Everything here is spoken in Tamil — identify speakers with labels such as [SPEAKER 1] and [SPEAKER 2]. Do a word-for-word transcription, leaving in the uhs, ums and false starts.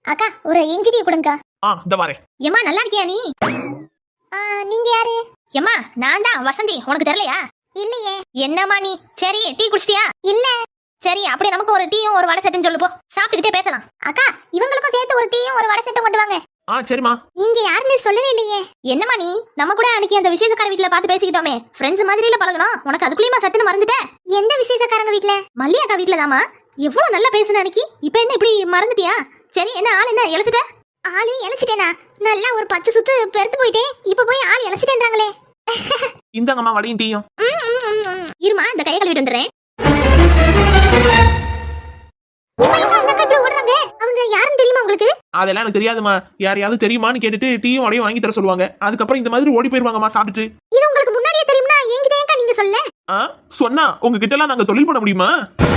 [SPEAKER 1] அக்கா ஒரு இஞ்சி டீ கொடுங்கக்கா.
[SPEAKER 2] ஆ இந்த வரேன்.
[SPEAKER 1] ஏமா நல்லா இருக்கியா நீ? நீங்க யாரு? ஏமா நான் தான் வசந்தி, உனக்கு தெரியலையா? இல்லையே. என்னம்மா நீ? சரி டீ குடிச்சிட்டியா? இல்ல. சரி அப்படி நமக்கு ஒரு டீயும் ஒரு வடை செட்டுன்னு சொல்லு போ, சாப்பிட்டுக்கிட்டே பேசலாம். அக்கா இவங்களுக்கும் சேர்த்து ஒரு டீயும் ஒரு வடை செட்டும் கொண்டு வாங்க.
[SPEAKER 2] ஆ சரிமா.
[SPEAKER 1] நீங்க யாருன்னு சொல்லவே இல்லையே. என்னம்மா நீ? நம்ம கூட அன்னைக்கு அந்த விசேஷக்கார வீட்ல பார்த்து பேசிக்கிட்டோமே, ஃப்ரெண்ட்ஸ் மாதிரில பழகணும், உனக்கு அதுக்குள்ளேயுமா சட்டுன்னு மறந்துட்ட? எந்த விசேஷக்காரங்க வீட்ல? மல்லியாக்கா வீட்ல தாமா. எவ்வளவு நல்லா பேசுன அன்னைக்கு, இப்போ என்ன இப்படி மறந்துட்டியா? சரி என்ன ஆள் என்ன இழைச்சிட்ட? ஆளு இழைச்சிட்டேனா? நல்லா ஒரு பத்து சுத்து பெருத்து போயிட்டேன், இப்ப போய் ஆள் இழைச்சிட்டேன்றாங்களே.
[SPEAKER 2] இந்தாங்கம்மா வடையும் டீயும்.
[SPEAKER 1] இருமா இந்த கையை கழுவிட்டு வந்துடுறேன். அவங்க யாருன்னு தெரியுமா உங்களுக்கு?
[SPEAKER 2] அதெல்லாம் எனக்கு தெரியாதுமா. யாரையாவது தெரியுமான்னு கேட்டுட்டு டீயும் வடையும் வாங்கி தர சொல்லுவாங்க. அதுக்கப்புறம் இந்த மாதிரி ஓடி போயிருவாங்கம்மா சாப்பிட்டுட்டு.
[SPEAKER 1] இது உங்களுக்கு முன்னாடியே தெரியுமா? என்கிட்ட ஏன்க்கா நீங்க சொல்ல?
[SPEAKER 2] ஆ சொன்னா உங்ககிட்ட எல்லாம் நாங்க தொழில் பண்ண முடியுமா?